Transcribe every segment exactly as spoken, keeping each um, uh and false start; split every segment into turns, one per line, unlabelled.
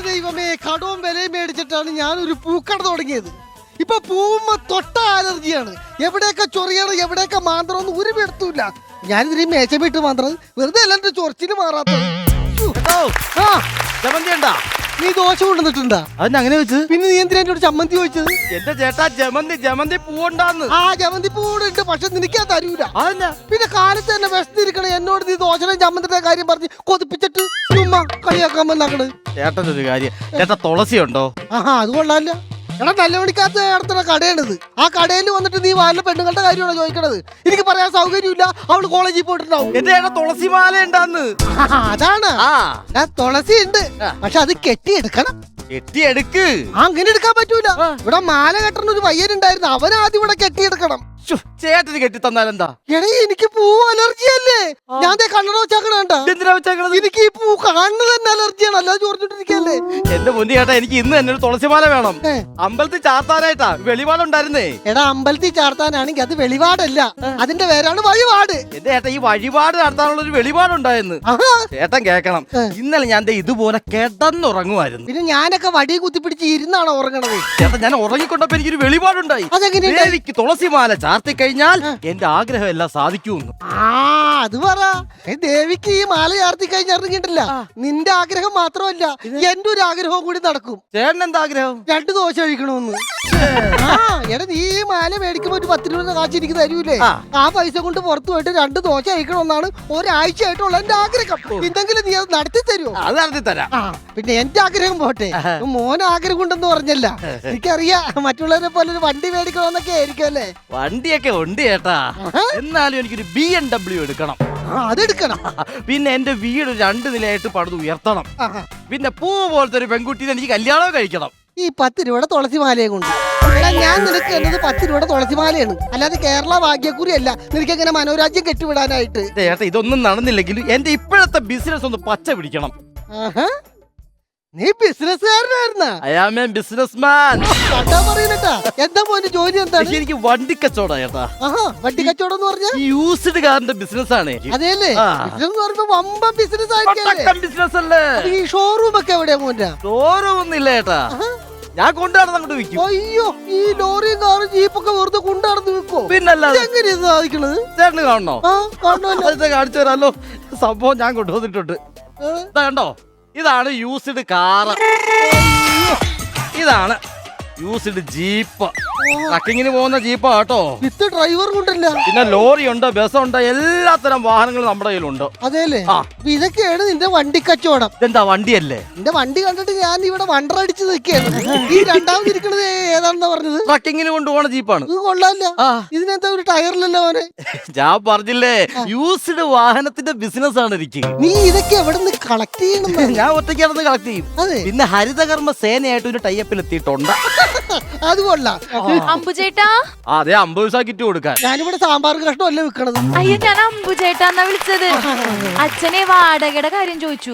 ദൈവമേ, കടവും വിലയും മേടിച്ചിട്ടാണ് ഞാനൊരു പൂക്കട തുടങ്ങിയത്. ഇപ്പൊ പൂവുമ്പോ തൊട്ട അലർജിയാണ്. എവിടെയൊക്കെ ചൊറിയണം, എവിടെയൊക്കെ മാന്ത്രം ഒന്നും ഒരു എടുത്തൂല്ല. ഞാനിതിരി മേച്ചമിട്ട് മാന്ത്രം വെറുതെ എല്ലാവരുടെ ചൊറിച്ചിന് മാറാത്തത്. നീ ദോശ കൊണ്ടുവന്നിട്ടുണ്ടാ?
അതിന് അങ്ങനെ വെച്ചത്?
പിന്നെ നീ എന്തിനാ എന്നോട് ചമ്മന്തി ചോദിച്ചത്?
എന്റെ ചേട്ടാ ജമന്തി ജമന്തി പൂവുണ്ടാന്ന്.
ആ ജമന്തി പൂവുണ്ട്, പക്ഷെ നിനക്കാ തരൂല.
അതല്ല,
പിന്നെ കാലത്ത് തന്നെ വിശന്നിരിക്കണേ എന്നോട് നീ ദോശയുടെ ചമ്മന്തിയുടെ കാര്യം പറഞ്ഞ് കൊതിപ്പിച്ചിട്ട് ചുമ്മാ കളിയാക്കാൻ വന്നാക്കണ്.
ചേട്ടനൊരു കാര്യം, ചേട്ടാ തുളസി ഉണ്ടോ?
ആഹാ, അത് കൊള്ളാല്ല. എടാ, നല്ല മണിക്കകത്ത് നടത്തുന്ന കടയാണിത്. ആ കടയിൽ വന്നിട്ട് നീ വാലിലെ പെണ്ണുങ്ങളുടെ കാര്യമാണോ ചോദിക്കണത്? എനിക്ക് പറയാൻ സൗകര്യമില്ല, അവള് കോളേജിൽ പോയിട്ടുണ്ടാവും.
എന്റെ ചേട്ടാ തുളസി മാല ഉണ്ടാന്ന്.
അതാണ് തുളസി ഉണ്ട്, പക്ഷെ അത് കെട്ടിയെടുക്കണം.
കെട്ടിയെടുക്ക്.
അങ്ങനെ എടുക്കാൻ പറ്റൂല. ഇവിടെ മാല കെട്ടണ ഒരു പയ്യനുണ്ടായിരുന്നു, അവൻ ആദ്യം ഇവിടെ കെട്ടിയെടുക്കണം.
ചേട്ടന് കെട്ടി തന്നാലെന്താ?
എടാ, എനിക്ക് പൂ അലർജി അല്ലേ. ഞാൻ കണ്ണട വെച്ചാക്കണ.
എന്തിനാ വെച്ചേക്കണത്?
എനിക്ക് ഈ പൂ കാണുന്നത് തന്നെ അലർജിയാണ്, അല്ലാതെ ചോർന്നിട്ടിരിക്കല്ലേ.
എന്റെ മുന്നേ ചേട്ടാ, എനിക്ക് ഇന്ന് തന്നെ ഒരു തുളസിമാല വേണം. അമ്പലത്തിൽ ചാർത്താനായിട്ടാ. വെളിപാടുണ്ടായിരുന്നേ.
എടാ, അമ്പലത്തിൽ ചാർത്താനാണെങ്കിൽ അത് വെളിപാടല്ല, അതിന്റെ പേരാണ് വഴിപാട്.
എന്റെ ചേട്ടാ, ഈ വഴിപാട് നടത്താനുള്ള ഒരു വെളിപാടുണ്ടായിരുന്നു. ചേട്ടൻ കേക്കണം, ഇന്നലെ ഞാൻ ഇതുപോലെ കിടന്നുറങ്ങുമായിരുന്നു.
പിന്നെ ഞാനൊക്കെ വടി കുത്തിപ്പിടിച്ച് ഇരുന്നാണ് ഉറങ്ങണത്.
ചേട്ടാ, ഞാൻ ഉറങ്ങിക്കൊണ്ടപ്പോ എനിക്കൊരു വെളിപാടുണ്ടായി.
അതെങ്ങനെയാ?
എനിക്ക് തുളസിമാല ചാർത്തി കഴിഞ്ഞാൽ എന്റെ ആഗ്രഹം എല്ലാം സാധിക്കുമെന്ന്.
ആ, അത് പറ. ദേവിക്ക് ഈ മാല ചാർത്തി കഴിഞ്ഞാൽ ഇറങ്ങിയിട്ടില്ല, നിന്റെ ആഗ്രഹം മാത്രമല്ല എന്റെ ഒരു ആഗ്രഹവും കൂടി നടക്കും.
ചേട്ടൻ എന്താ ആഗ്രഹം?
രണ്ടു ദോശ കഴിക്കണമെന്ന്. ആ, എടാ, നീ ഈ മാല മേടിക്കുമ്പോ ഒരു പത്ത് രൂപ കാശ് എനിക്ക് തരൂലേ? ആ പൈസ കൊണ്ട് പുറത്തു പോയിട്ട് രണ്ട് ദോശ കഴിക്കണമെന്നാണ് ഒരാഴ്ചയായിട്ടുള്ള എന്റെ ആഗ്രഹം. എന്തെങ്കിലും നീ അത് നടത്തി തരുമോ?
അത് നടത്തി തരാം.
ആ, പിന്നെ എന്റെ ആഗ്രഹം പോട്ടെ, മോൻ ആഗ്രഹം ഉണ്ടെന്ന് പറഞ്ഞല്ല. എനിക്കറിയാം, മറ്റുള്ളവരെ പോലെ ഒരു വണ്ടി മേടിക്കണമെന്നൊക്കെ ആയിരിക്കും അല്ലേ?
വണ്ടിയൊക്കെ ഉണ്ട് ചേട്ടാ, എന്നാലും എനിക്കൊരു ബി എം ഡബ്ല്യു എടുക്കണം.
അതെടുക്കണം.
പിന്നെ എന്റെ വീട് രണ്ട് നിലയായിട്ട് പണിത് ഉയർത്തണം. പിന്നെ പൂ പോലത്തെ ഒരു പെൺകുട്ടീനെ എനിക്ക് കല്യാണം കഴിക്കണം.
ഈ പത്ത് രൂപയുടെ തുളസി മാലയെ കൊണ്ട് എടാ, ഞാൻ നിനക്ക് എന്നത് പത്ത് രൂപയുടെ തുളസി മാലയാണ്, അല്ലാതെ കേരള ഭാഗ്യക്കുറി അല്ല നിനക്ക് എങ്ങനെ മനോരാജ്യം കെട്ടിവിടാനായിട്ട്.
ചേട്ടാ, ഇതൊന്നും നടന്നില്ലെങ്കിലും എന്റെ ഇപ്പോഴത്തെ ബിസിനസ് ഒന്ന് പച്ച പിടിക്കണം.
നീ ബിസിനസ്സുകാരനായിരുന്ന?
I am a businessman.
പറയുന്നട്ടാ, എന്താ മോന്റെ ജോലി എന്താണ്?
എനിക്ക് വണ്ടി കച്ചവടം ചേട്ടാ.
ആഹാ, വണ്ടി കച്ചവടം എന്ന് പറഞ്ഞാൽ
യൂസ്ഡ് കാറിന്റെ ബിസിനസ് ആണ്.
അതെയല്ലേ? ബിസിനസ് പറയുമ്പോ വമ്പൻ ബിസിനസ് ആയിരിക്കും.
ബിസിനസ് അല്ലേ?
ഈ ഷോറൂം ഒക്കെ എവിടെയാ മോന്റെ?
ഷോറൂം ഒന്നും ഇല്ല ചേട്ടാ, ഞാൻ കൊണ്ടുനടന്ന് അങ്ങോട്ട് വിൽക്കും.
അയ്യോ, ഈ ലോറിയും കാറും ജീപ്പൊക്കെ വെറുതെ കൊണ്ടുനടന്ന് വിൽക്കോ?
പിന്നല്ലാതെ
എങ്ങനെയാ സാധിക്കണത്?
ചേട്ടന് കാണണോ?
കാണണോ?
കാണിച്ചു തരാമല്ലോ. സംഭവം ഞാൻ കൊണ്ടുവന്നിട്ടുണ്ട്. കണ്ടോ, ഇതാണ് യൂസ്ഡ് കാറ്, ഇതാണ് യൂസ്ഡ് ജീപ്പ്. ട്രക്കിങ്ങിന് പോകുന്ന ജീപ്പാ കേട്ടോ.
വിത്ത് ഡ്രൈവർ കൊണ്ടല്ല.
പിന്നെ ലോറി ഉണ്ട്, ബസ്സുണ്ട്, എല്ലാത്തരം വാഹനങ്ങളും നമ്മുടെ കയ്യിലുണ്ട്.
അതെല്ലേ? ഇതൊക്കെയാണ് നിന്റെ വണ്ടി കച്ചവടം.
ഇതെന്താ വണ്ടിയല്ലേ?
നിന്റെ വണ്ടി കണ്ടിട്ട് ഞാൻ ഇവിടെ വണ്ടറടിച്ച് നിൽക്കുകയാണ്. ഈ രണ്ടാമത് ഇരിക്കണത് ഏതാണെന്നാ പറഞ്ഞത്?
ട്രക്കിങ്ങിന് കൊണ്ടുപോകണ ജീപ്പാണ്.
ഇത് കൊള്ളാല്ല. ഇതിനെന്താ ഒരു ടയറിലല്ലോ മോനെ?
ഞാൻ പറഞ്ഞില്ലേ, യൂസ്ഡ് വാഹനത്തിന്റെ ബിസിനസ് ആണ് എനിക്ക്.
നീ ഇതൊക്കെ എവിടെ നിന്ന് കളക്ട് ചെയ്യണം?
ഞാൻ ഒറ്റയ്ക്കാണെന്ന് കളക്ട് ചെയ്യും. പിന്നെ ഹരിതകർമ്മ സേനയായിട്ട് ഒരു ടൈപ്പിൽ എത്തിയിട്ടുണ്ട്.
അത് കൊള്ളാം.
അമ്പുചേട്ടാ,
അതെ, അമ്പത് ദിവസം കിറ്റ് കൊടുക്കാൻ.
ഞാനിവിടെ സാമ്പാർ കഷ്ണം അല്ലേ വിൽക്കണത്.
അയ്യോ, ഞാൻ അമ്പുചേട്ടാന്നാ വിളിച്ചത്. അച്ഛനെ വാടകയുടെ കാര്യം ചോദിച്ചു.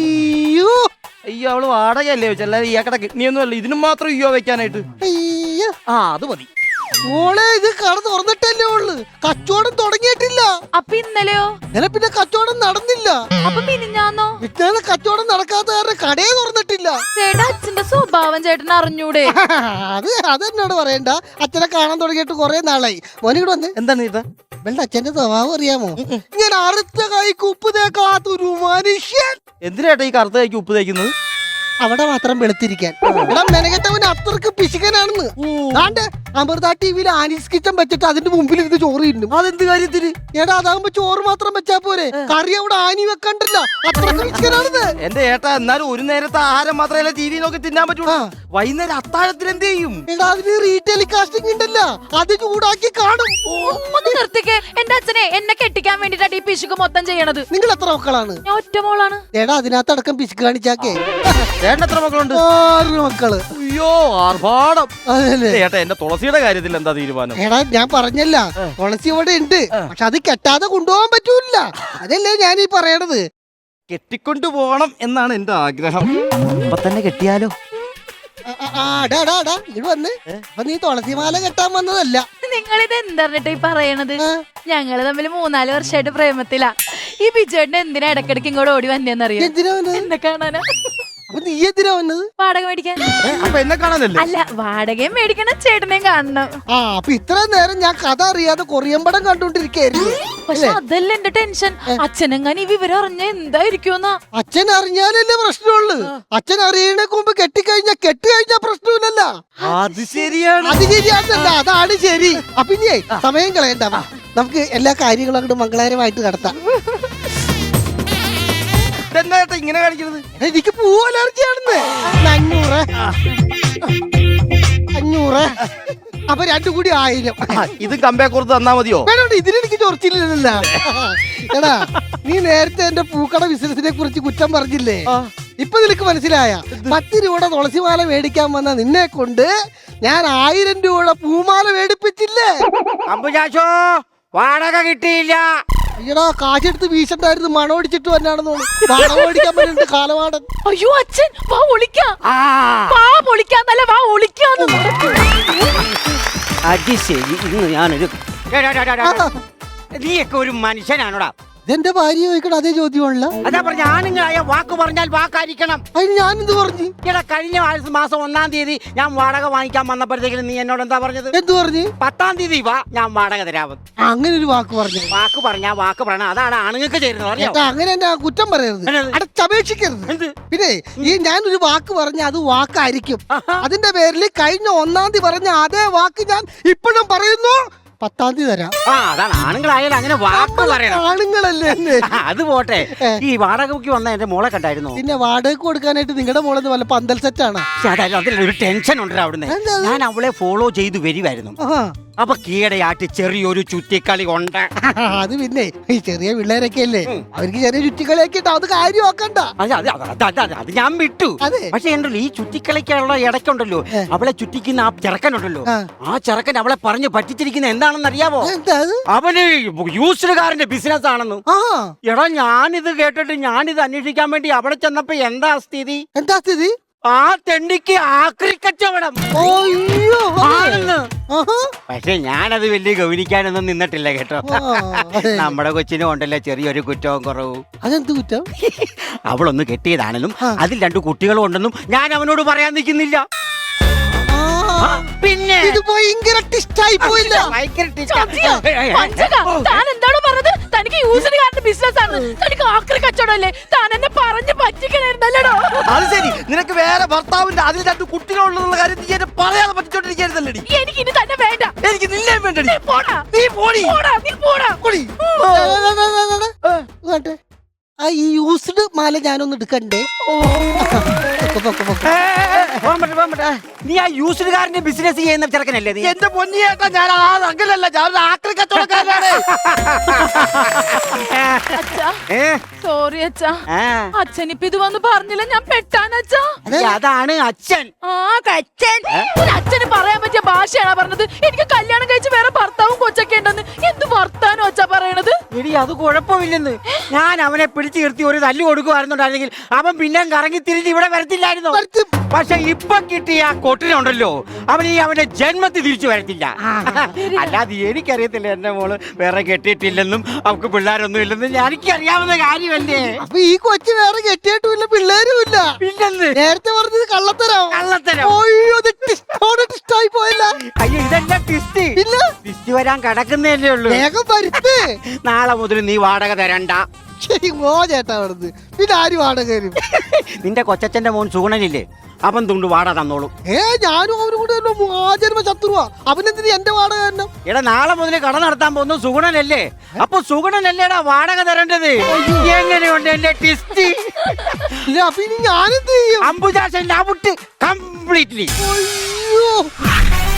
അയ്യോ
അയ്യോ, അവള് വാടകയല്ലേ വെച്ച, അല്ലാതെ ഇയാക്കടെ കിഡ്നിയൊന്നും അല്ല. ഇതിനും മാത്രം അയ്യോ വെക്കാനായിട്ട്.
അയ്യോ,
ആ അത് മതി
മോളെ. ഇത് കട തുറന്നിട്ടല്ലേ ഉള്ളു, കച്ചവടം തുടങ്ങിയിട്ടില്ല.
അപ്പൊ ഇന്നലെയോ?
ഇന്നലെ പിന്നെ കച്ചവടം നടന്നില്ല.
അപ്പൊ മിനിഞ്ഞാന്നോ?
ഇന്നലെ കച്ചവടം നടക്കാത്ത കാരണം കടയെ തുറന്നിട്ടില്ല.
ചേട്ടാ, അച്ഛന്റെ സ്വഭാവം ചേട്ടൻ അറിഞ്ഞൂടെ?
അത് അതെന്നോട് പറയണ്ട, അച്ഛനെ കാണാൻ തുടങ്ങിയിട്ട് കൊറേ നാളായി. മോനിവിടെ വന്ന്
എന്താണ് ഇത്?
വെള്ള അച്ഛന്റെ സ്വഭാവം അറിയാമോ? ഇങ്ങനെ അറുത്ത കൈക്ക് ഉപ്പ് തേക്കാത്തൊരു മനുഷ്യൻ.
എന്തിനായിട്ടാ ഈ കറുത്ത കൈക്ക് ഉപ്പ് തേക്കുന്നത്?
അവിടെ മാത്രം വെളുത്തിരിക്കാൻ. ഇവിടെ മെനകെട്ടവന് അത്രക്ക് പിശുക്കനാണെന്ന്. ദാണ്ടെ അമൃത ടിവിയിൽ ആനീസ് കിച്ചൻ വെച്ചിട്ട് അതിന്റെ മുമ്പിൽ ഇത് ചോറ് തിന്നും.
അതെന്ത് കാര്യത്തിന്?
എടാ, അതാകുമ്പോ ചോറ് മാത്രം വെച്ചാ പോരെ, കറി അവിടെ ആനി വെക്കണ്ടല്ല. അത്രക്ക് പിശുക്കനാണെന്ന്.
എന്റെ ഏട്ടാ, എന്നാലും ഒരു നേരത്തെ ആഹാരം മാത്രമല്ല ടി വി നോക്കി തിന്നാൻ പറ്റൂടാ. വൈകുന്നേരം അത്താഴത്തിന് എന്ത് ചെയ്യും?
എടാ, അതിന് റീടെലികാസ്റ്റിംഗ് ഉണ്ടല്ല, അത് ചൂടാക്കി കാണും.
ഒന്ന് നിർത്തിക്കേ. എന്റെ അച്ഛനെ എന്നെ കെട്ടിക്കാൻ വേണ്ടിട്ടാണ് ഈ പിശുക്ക് മൊത്തം ചെയ്യണത്.
നിങ്ങൾ എത്ര മക്കളാണ്?
ഞാൻ ഒറ്റ മോളാണ്.
എടാ, അതിനകത്തടക്കം പിശുക്ക് കാണിച്ചാക്കേ.
ചേട്ടൻ എത്ര മക്കളുണ്ട്?
ആറ് മക്കള്.
അയ്യോ, ആർഭാടം.
അതല്ലേ?
ഏട്ടാ, എന്റെ തുളസിയുടെ കാര്യത്തിൽ എന്താ തീരുമാനം?
എടാ, ഞാൻ പറഞ്ഞല്ല, തുളസി ഇവിടെ ഉണ്ട്, പക്ഷെ അത് കെട്ടാതെ കൊണ്ടുപോകാൻ പറ്റൂല. അതല്ലേ ഞാൻ ഈ പറയണത്.
കെട്ടിക്കൊണ്ടു പോകണം എന്നാണ് എന്റെ ആഗ്രഹം. അപ്പൊ തന്നെ കെട്ടിയാലോ?
ഇത് വന്ന് അപ്പൊ നീ തുളസിമാല കെട്ടാൻ വന്നതല്ല.
നിങ്ങളിത് എന്തറിഞ്ഞിട്ട് ഈ പറയണത്? ഞങ്ങള് തമ്മിൽ മൂന്നാല് വർഷമായിട്ട് പ്രേമത്തിലാ. ഈ ബിജുവേട്ടൻ എന്തിനാ ഇടക്കിടക്ക് ഇങ്ങോട്ട് ഓടി വന്നേന്നറിയോ?
എന്തിനാ?
എന്നെ കാണാനാ.
അപ്പൊ നീ എന്തിനാ വന്നത്?
വാടക മേടിക്കാൻ.
ഏ, അപ്പൊ എന്നെ കാണാനല്ലേ?
അല്ല, വാടകയും മേടിക്കണം, ചേട്ടനെയും കാണണം.
ആ അപ്പൊ ഇത്രയും നേരം ഞാൻ കഥ അറിയാതെ കൊറിയൻ പടം കണ്ടോണ്ടിരിക്കായിരുന്നു.
പക്ഷെ അതല്ല എന്റെ ടെൻഷൻ. അച്ഛനെങ്ങാനും ഈ വിവരം അറിഞ്ഞ എന്തായിരിക്കുമെന്നാ.
അച്ഛൻ അറിഞ്ഞാലല്ലേ പ്രശ്നമുള്ളു. അച്ഛൻ അറിയണേക്ക് മുമ്പ് കെട്ടിക്കഴിഞ്ഞാ കെട്ടി കഴിഞ്ഞാ പ്രശ്നമില്ലല്ല.
അത് ശരിയാണ്.
അത് ശരിയാണല്ല, അതാണ് ശരി. അപ്പൊ ഇനിയേ സമയം കളയണ്ട, വാ. നമുക്ക് എല്ലാ കാര്യങ്ങളും അങ്ങോട്ട് മംഗളകരമായിട്ട് നടത്താം.
ഇതെന്താ ചേട്ടാ ഇങ്ങനെ കാണിക്കുന്നത്?
എനിക്ക് പൂ അലർജിയാണെന്ന്. അഞ്ഞൂറ് അഞ്ഞൂറ് അപ്പൊ രണ്ടു കൂടി ആയിരം.
ആ, ഇത് കമ്പേ കൊടുത്ത് തന്നാ മതിയോ?
വേണ്ട, ഇതിനെനിക്ക് ചൊറിച്ചില്ലല്ലോ. എടാ, നീ നേരത്തെ എന്റെ പൂക്കട ബിസിനസിനെ കുറിച്ച് കുറ്റം പറഞ്ഞില്ലേ? ഇപ്പൊ നിനക്ക് മനസ്സിലായ? പത്ത് രൂപയുടെ തുളസിമാല മേടിക്കാൻ വന്ന നിന്നെ കൊണ്ട് ഞാൻ ആയിരം രൂപയുടെ പൂമാല മേടിപ്പിച്ചില്ലേ?
അമ്പുചാശോ വാടക കിട്ടിയില്ല.
അയ്യടാ, കാശെടുത്ത് വീശണ്ടായിരുന്നു, മണമടിച്ചിട്ട് വന്നാണെന്ന് തോന്നുന്നു. വാടക മേടിക്കാൻ പറ്റുന്നുണ്ട് കാലവാടൻ.
അയ്യോ അച്ഛൻ, വാ ഒളിക്കാം.
ആ
വാ പൊളിക്കാന്നല്ല, വാ ഒളിക്കാന്ന്.
അത് ശരി. ഇന്ന് ഞാനൊരു നീയൊക്കെ ഒരു മനുഷ്യനാണോടാ?
ഇതെന്റെ ഭാര്യ ചോദിക്കണം അതേ ചോദ്യമാണല്ലോ.
അതാ പറഞ്ഞ ആണുങ്ങളായ വാക്ക് പറഞ്ഞാൽ വാക്കായിരിക്കണം.
അതിന് ഞാനെന്ത് പറഞ്ഞു?
എടാ, കഴിഞ്ഞ ആഴ്ച മാസം ഒന്നാം തീയതി ഞാൻ വാടക വാങ്ങിക്കാൻ വന്നപ്പോഴത്തേക്കും നീ എന്നോട് എന്താ പറഞ്ഞത്?
എന്ത് പറഞ്ഞു?
പത്താം തീയതി വാ, ഞാൻ വാടക തരാമെന്ന്.
അങ്ങനെ ഒരു വാക്ക് പറഞ്ഞു.
വാക്ക് പറഞ്ഞാ വാക്ക് പറയണം. അതാണ് ആണുങ്ങൾക്ക് ചേരുന്നത്, അറിയോ?
ഏട്ടാ, അങ്ങനെ എന്നെ കുറ്റം പറയരുത്,
എന്നത്?
അടച്ചപേക്ഷിക്കരുത്.
എന്ത്?
പിന്നെ ഈ ഞാനൊരു വാക്ക് പറഞ്ഞ അത് വാക്കായിരിക്കും. അതിന്റെ പേരിൽ കഴിഞ്ഞ ഒന്നാം തീയതി പറഞ്ഞ അതേ വാക്ക് ഞാൻ ഇപ്പോഴും പറയുന്നു. പത്താം തീയതി തരാം.
ആ അതാണ് ആണുങ്ങളായാലും അങ്ങനെ വാക്ക് പറയണം.
ആണുങ്ങളല്ലേ എന്നെ?
അത് പോട്ടെ, ഈ വാടകയ്ക്ക് വന്ന എന്റെ മോളെ കണ്ടായിരുന്നോ?
പിന്നെ വാടകയ്ക്ക് കൊടുക്കാനായിട്ട് നിങ്ങളുടെ മോളെന്ന് വല്ല പന്തൽ സെറ്റാണ്.
അതിലൊരു ടെൻഷൻ ഉണ്ട് അവിടുന്ന്.
എന്താ?
ഞാൻ അവളെ ഫോളോ ചെയ്ത് വരുമായിരുന്നു. അപ്പൊ കീടയായിട്ട് ചെറിയൊരു ചുറ്റിക്കളി ഉണ്ട്.
അത് പിന്നെ ഈ ചെറിയ പിള്ളേരൊക്കെ അല്ലേ, അവർക്ക് ചെറിയ ചുറ്റിക്കളിയൊക്കെ ഉണ്ടാവും. അത് കാര്യം നോക്കണ്ട.
അത് അത് അത് അത് അത് അത് ഞാൻ വിട്ടു.
അതെ.
പക്ഷെ ഉണ്ടല്ലോ, ഈ ചുറ്റിക്കളിക്കുള്ള ഇടയ്ക്കുണ്ടല്ലോ, അവളെ ചുറ്റിക്കുന്ന ആ ചെറുക്കനുണ്ടല്ലോ,
ആ.
ആ ചെറുക്കൻ അവളെ പറഞ്ഞ് പറ്റിച്ചിരിക്കുന്ന എന്താണെന്ന് അറിയാവോ?
എന്താ അത്?
അവന് യൂസ്ഡ് കാറിന്റെ ബിസിനസ് ആണെന്ന്.
ആ
എടാ, ഞാനിത് കേട്ടിട്ട് ഞാനിത് അന്വേഷിക്കാൻ വേണ്ടി അവിടെ ചെന്നപ്പോ എന്താ സ്ഥിതി?
എന്താ സ്ഥിതി?
ആ തെണ്ടിക്ക് ആക്രി കച്ചവടം
അയ്യോ.
ആണെന്ന്.
ആഹാ.
പക്ഷെ ഞാനത് വലിയ ഗൗനിക്കാനൊന്നും നിന്നിട്ടില്ല കേട്ടോ.
ആ, അതെ.
നമ്മുടെ കൊച്ചിനും ഉണ്ടല്ലോ ചെറിയൊരു കുറ്റവും കുറവും.
അതെന്ത് കുറ്റം?
അവളൊന്ന് കെട്ടിയതാണെന്നും
ആ.
അതിൽ രണ്ടു കുട്ടികളും ഉണ്ടെന്നും ഞാൻ അവനോട് പറയാൻ നിൽക്കുന്നില്ല.
ആ,
പിന്നെ
ഇത് ഭയങ്കര ടിസ്റ്റായി പോയില്ല.
ഭയങ്കര twist ആ.
സത്യം.
ഏയ് ഏയ് ഏയ്.
പഞ്ചക, താൻ എന്താണോ പറഞ്ഞത്? തനിക്ക് യൂസിന് കാരണം ബിസിനസ് ആണ്, തനിക്ക് ആക്രി കച്ചവടമല്ലേ? താൻ എന്നെ പറഞ്ഞ് പറ്റിക്കണായിരുന്നല്ലോ.
അത് ശരി, നിനക്ക് വേറെ ഭർത്താവിന്റെ അതിൽ രണ്ട് കുട്ടികളുള്ള കാര്യം നീ എന്നെ പറയാതെ പറ്റിച്ചോണ്ടിരിക്കരുതല്ലേ?
എനിക്ക് ഇനി തന്നെ വേണ്ട.
എനിക്ക് നിന്നെ വേണ്ടടി.
നീ പോടാ,
നീ പോടി.
പോടാ, നീ പോടാ.
പോടി.
ഇങ്ങോട്ട്. ആ ഈ യൂസ്ഡ് മാല ഞാനൊന്ന് എടുക്കണ്ടേ? പൊക്കോ, പൊക്കോ, പൊക്കോ.
ഏയ് ഏയ് ഏയ്. പോകാൻ പറ്റില്ല, പോകാൻ പറ്റില്ല. നീ ആ യൂസ്ഡ് കാറിന്റെ ബിസിനസ് ചെയ്യുന്ന ചെറുക്കനല്ലേ നീ?
എന്റെ പൊന്നിയേട്ടാ, ഞാൻ ആ അങ്ങനല്ല, ഞാൻ ആക്രി കച്ചവടക്കാരനാണ്.
അച്ഛാ,
ഏ?
സോറി അച്ഛാ.
ആ.
അച്ഛൻ ഇപ്പൊ ഇത് വന്ന് പറഞ്ഞില്ല, ഞാൻ പെട്ടാനച്ഛാ.
ഈ അതാണ് അച്ഛൻ.
ആ കച്ചൻ. ഒരു അച്ഛന് പറയാൻ പറ്റിയ ഭാഷയാണോ പറഞ്ഞത്? എനിക്ക് കല്യാണം കഴിച്ച് വേറെ ഭർത്താവും കൊച്ചൊക്കെ ഉണ്ടെന്ന്. എന്ത് വർത്താനോ അച്ഛാ പറയണത്?
എടി, അത് കുഴപ്പമില്ലെന്ന്. ഞാൻ അവനെ പിടിച്ചു നിർത്തി ഒരു തല്ലു കൊടുക്കുവായിരുന്നുണ്ടായിരുന്നെങ്കിൽ അവൻ പിന്നെ കറങ്ങി തിരിഞ്ഞ് ഇവിടെ വരത്തില്ലായിരുന്നു. പക്ഷെ ഇപ്പൊ കിട്ടിയ ആ കൊട്ടിനുണ്ടല്ലോ, അവൻ ഈ അവന്റെ ജന്മത്തിൽ തിരിച്ചു വരത്തില്ല. അല്ലാതെ എനിക്കറിയത്തില്ല എന്റെ മോള് വേറെ കെട്ടിയിട്ടില്ലെന്നും അവക്ക് പിള്ളേരൊന്നും ഇല്ലെന്നും എനിക്കറിയാവുന്ന കാര്യമല്ലേ.
അപ്പൊ ഈ കൊച്ചു വേറെ കെട്ടിയിട്ടുമില്ല, പിള്ളേരും ഇല്ല.
പിന്നെന്ന്
നേരത്തെ പറഞ്ഞത് കള്ളത്തരം.
കള്ളത്തരം.
അയ്യോ, ഇത് ടിസ്റ്റോടെ ടിസ്റ്റായി പോയല്ല.
അയ്യോ, ഇതെല്ലാം ട്വിസ്റ്റ്.
ഇല്ല,
ട്വിസ്റ്റ് വരാൻ കിടക്കുന്നതല്ലേ ഉള്ളൂ.
വേഗം വരുത്ത്.
നാളെ മുതൽ നീ വാടക തരണ്ട.
ശരി, ഓ ചേട്ടാ അവിടുന്ന്. പിന്നെ ആര് വാടക തരും?
നിന്റെ കൊച്ചച്ഛന്റെ മോൻ സുഗുണനില്ലേ, അവൻ തുണ്ട് വാടക തന്നോളൂ.
ഏ ഞാനും അവനും കൂടെ ആചരണ ശത്രുവാ. അവനെന്തിന് എന്റെ വാടക തന്നെ?
എടാ, നാളെ മുതൽ കട നടത്താൻ പോകുന്നു സുഗുണനല്ലേ, അപ്പൊ സുഗുണനല്ലേടാ വാടക തരേണ്ടത്. എങ്ങനെയുണ്ട് എന്റെ ട്വിസ്റ്റ്?
ഇല്ല, അപ്പൊ ഇനി ഞാനെന്ത് ചെയ്യും?
Ambujashan out completely.
അയ്യോ.